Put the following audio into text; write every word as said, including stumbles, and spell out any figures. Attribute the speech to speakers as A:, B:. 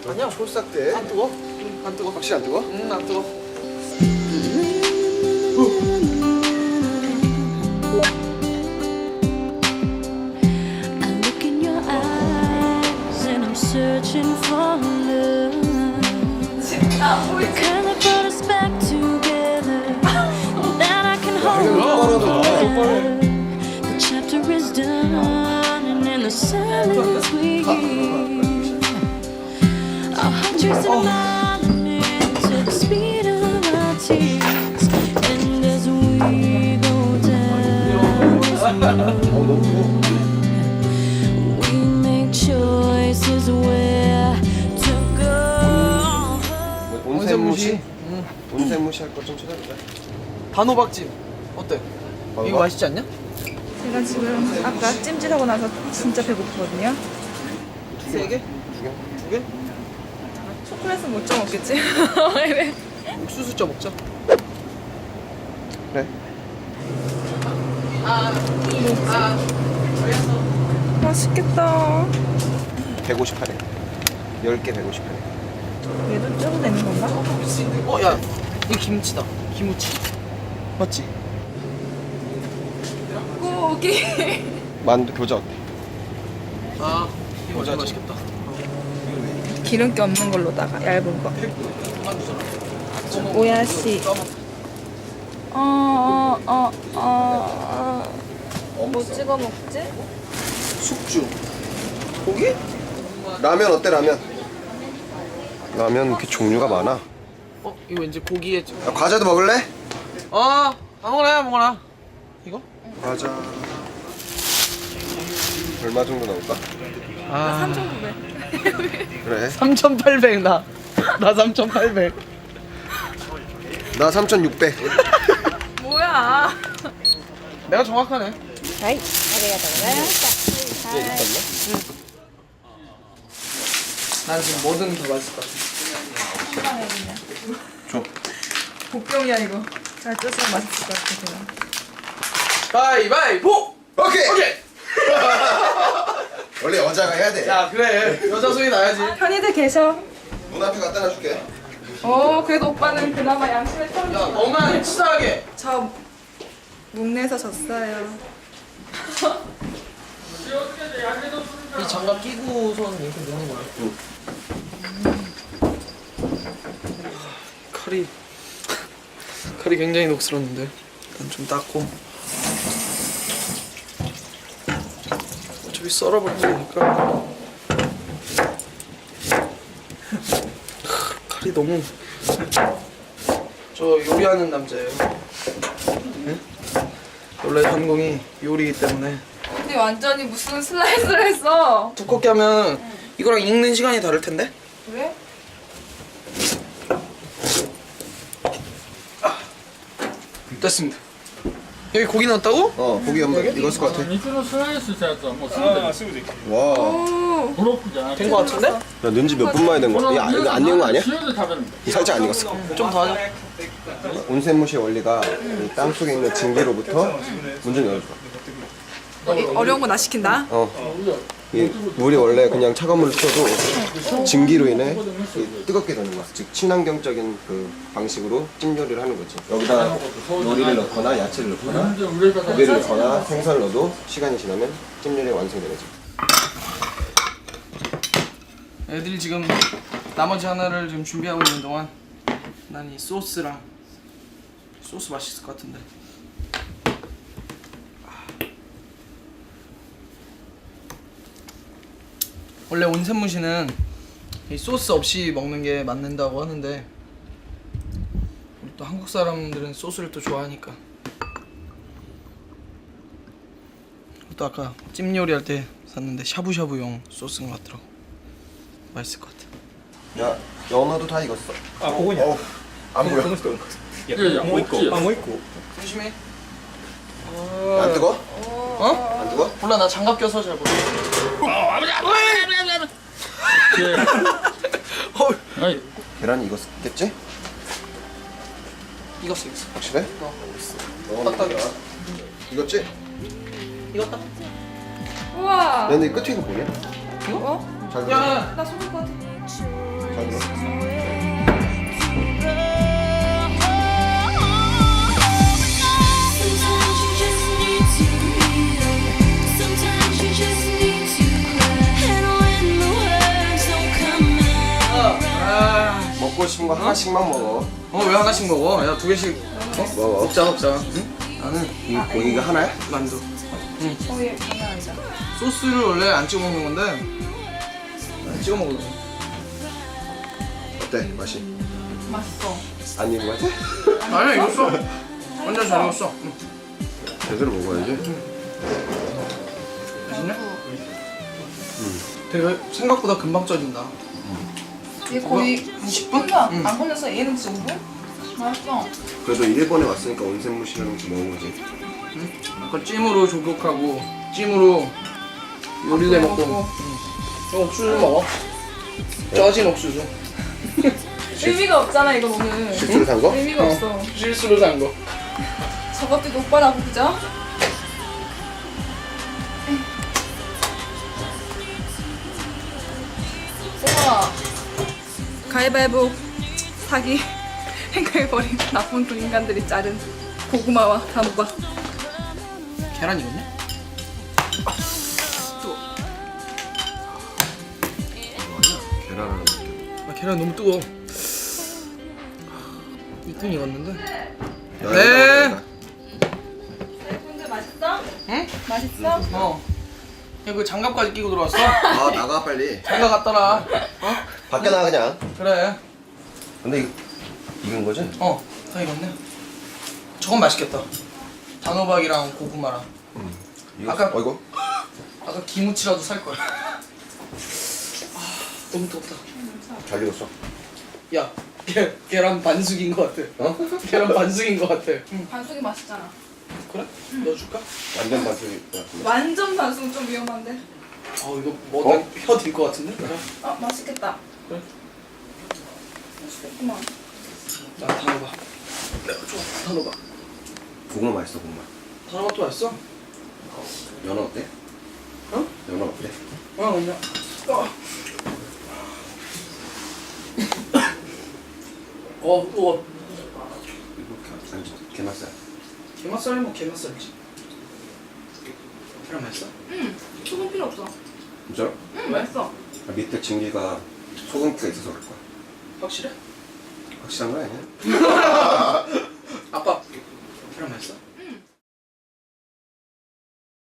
A: 아니야.
B: 촐싹대.
A: 안 뜨거? 안 뜨거.
B: 확실히 안 뜨거?
A: 응, 안 뜨거.
C: I look in your eyes and I'm searching for love. The kind that brought us back together, that I can hold forever. The chapter is done, and in the silence we hear our hearts racing violent to the speed of our tears. And as we go down this road, we make choices where to go.
B: 온샘무시? 온샘무시 할 것 좀 찾아보자.
A: 단호박찜 어때?
B: 단호박?
A: 이거 맛있지 않냐?
D: 제가 지금 아까 찜질하고 나서 진짜 배고프거든요.
A: 세 개?
B: 두 개?
A: 두 개?
D: 초콜릿은 못 쪄 먹겠지? 왜?
A: 옥수수 쪄 먹자.
B: 그래.
D: 맛있겠다.
B: 백오십팔 엔. 열 개 백오십팔 엔.
D: 얘도 쪄도 되는 건가?
A: 어, 야, 이거 김치다. 김치. 맞지?
D: 고기.
B: 만두 교자 어때?
A: 아, 이거
B: 모자지.
A: 맛있겠다.
D: 기름기 없는 걸로다가 얇은 거. 오야 씨. 어, 어, 어, 어, 어. 뭐 찍어 먹지?
A: 숙주. 고기?
B: 라면 어때 라면? 라면 이렇게 종류가 많아.
A: 어, 이거 왠지 고기에.
B: 야, 과자도 먹을래?
A: 아, 아무거나 해, 아무거나. 이거?
B: 과자. 얼마 정도 나올까?
A: 아,
D: 삼천구백.
B: 그래.
A: 삼천팔백 나. 나 삼천팔백.
B: 나 삼천육백.
D: 뭐야?
A: 내가 정확하네.
D: 아이,
A: 난 지금 뭐든 다 맛있을 것 같아.
B: 줘.
D: 복병이야 이거. 잘 쪄서 맛있을 것 같아 제가.
A: 가위바위보!
B: 오케이.
A: 오케이!
B: 원래 여자가 해야 돼.
A: 야, 그래. 여자 소리 나야지.
D: 편의들 계셔.
B: 문 앞에 갖다 놔줄게.
D: 어, 그래도 오빠는 그나마 양심의
A: 야,
D: 털이.
A: 너만 치사하게.
D: 저 묵내서 졌어요.
A: 이 장갑 끼고선 이렇게 넣는 거야. 칼이 칼이 굉장히 녹슬었는데 일단 좀 닦고 어차피 썰어버릴 거니까. 칼이 너무 저 요리하는 남자예요. 응? 원래 전공이 요리이기 때문에
D: 근데 완전히 무슨 슬라이스를 했어.
A: 두껍게 하면 이거랑 익는 시간이 다를 텐데?
D: 왜?
A: 됐습니다. 여기 고기 넣었다고?
B: 어, 고기 한번 익었을 것 같아.
E: 肉のスライスしたやつはもうすぐできる
B: 와.
D: 오.
E: ブロックじゃなくて
A: 된 거 같은데?
B: 야, 넣은지 몇 분 만에 된 거야? 야, 이거 안 익은 거 아니야?
E: 塩で食べるんだ
B: 살짝 안 익었어.
A: 좀 더 하자.
B: 온센무시의 원리가 이 땅속에 있는 증기로부터 문 좀 열어줘.
D: 어, 어려운 거 나 시킨다.
B: 어. 이 물이 원래 그냥 차가운 물을 쳐도 증기로 인해 이 뜨겁게 되는 거야. 즉 친환경적인 그 방식으로 찜 요리를 하는 거지. 여기다 요리를 넣거나 야채를 넣거나
E: 全然売れ方
B: 고기를 넣거나 생선을 넣어도 시간이 지나면 찜 요리가 완성되는 거지.
A: 애들이 지금 나머지 하나를 지금 준비하고 있는 동안 난 이 소스랑 소스 맛있을 것 같은데. 원래 온센무시는 이 소스 없이 먹는 게 맞는다고 하는데 우리 또 한국 사람들은 소스를 또 좋아하니까. 또 아까 찜 요리할 때 샀는데 샤브샤브용 소스인 것 같더라고. 맛있을 것 같아.
B: 야, 연어도 다 익었어. 아, 그거냐? 어, 안 보여.
E: いやいやもう一個
A: 조심해.
B: 안 뜨거?
A: 어?
B: 안 뜨거?
A: 몰라, 나 장갑 껴서 잘 모르겠어.
E: はい
B: 계란이 익었겠지?
A: 익었어, 익었어.
B: 확실해?
A: 어.
B: 어, 딱딱이야. 익었지?
A: 익었다.
D: 우와.
B: 근데 이 끝에 이거 뭐냐?
D: 어?
B: 잘
A: 야,
D: 나 속을 것 같아.
C: Sometimes you just need to heal. Sometimes you just need to cry. And when the words don't come out.
A: 아,
B: 먹고 싶은 거 하나씩만 먹어.
A: 어 왜 하나씩 먹어? 야 두 개씩 어?
B: 먹어.
A: 먹자 먹자. 응? 나는
B: 이 고기가 하나야?
A: 만두.
D: 저희 장난 아니잖아.
A: 소스를 원래 안 찍어 먹는 건데 난 찍어 먹으려고.
B: 어때 맛이?
D: 맛있어.
B: 안 익은 거 같아?
A: 아니야 익었어. 완전 잘 익었어. 응.
B: 제대로 먹어야지.
A: 맛있네? 되게 생각보다 금방 쪄진다.
D: 얘 거의
A: 한 십
D: 십
A: 분?
D: 분도
A: 응.
D: 안 걸렸어. 얘는 진짜 오 분? 맛있어.
B: 그래도 일본에 왔으니까 온센무시라는 거 먹어보지.
A: 약간 찜으로 조격하고 찜으로 요리도 해 먹고.
D: 먹고.
A: 응. 옥수수 먹어. 쪄진 옥수수.
D: 의미가 없잖아 이건 오늘.
B: 실제로 산 거?
D: 의미가
A: 어.
D: 없어.
A: 실수로 산 거.
D: 저것도 오빠라고 그죠? 우와. 가위바위보 사기 행각해버린 나쁜 두 인간들이 자른 고구마와 단호박.
A: 계란 익었냐?
B: 계란.
A: 아 계란 너무 뜨거워. 일 등 익었는데.
B: 야,
A: 네.
B: 이거
D: 근데 맛있어?
A: 응?
D: 맛있어?
A: 어. 야 그 장갑까지 끼고 들어왔어?
B: 아 나가 빨리.
A: 장갑 갖다 놔. 어?
B: 밖에 나가 그냥.
A: 그래.
B: 근데 이- 익은 거지?
A: 어. 다 익었네. 저건 맛있겠다. 단호박이랑 고구마랑.
B: 이거
A: 아까-
B: 어이구.
A: 아까 김치라도 살 걸. 아, 너무 덥다.
B: 잘 익었어.
A: 야, 계, 계란 반숙인 것 같아.
B: 어?
A: 계란 반숙인 것 같아. 응.
D: 반숙이 맛있잖아.
A: 그래? 넣어줄까?
B: 완전 반숙일 것 같은데.
D: 완전 반숙은 좀 위험한데.
A: 어 이거 뭐 혀들 것 같은데? 그래.
D: 아 맛있겠다.
A: 그래.
D: 맛있겠구만.
A: 나 단호박. 내가 좋아. 단호박.
B: 고구마 맛있어 고구마.
A: 단호박도 맛있어?
B: 연어 어때?
A: 어?
B: 연어 어때?
A: 어, 그냥. 어. 어, 뜨거.
B: 이거 게- 게맛살.
A: 게맛살이 뭐 게맛살이지. 계란 맛있어?
D: 응. 소금 필요 없어.
B: 진짜로?
D: 응 맛있어.
B: 아, 밑에 증기가 소금기가 있어서 그럴 거야.
A: 확실해?
B: 확실한 거 아니야?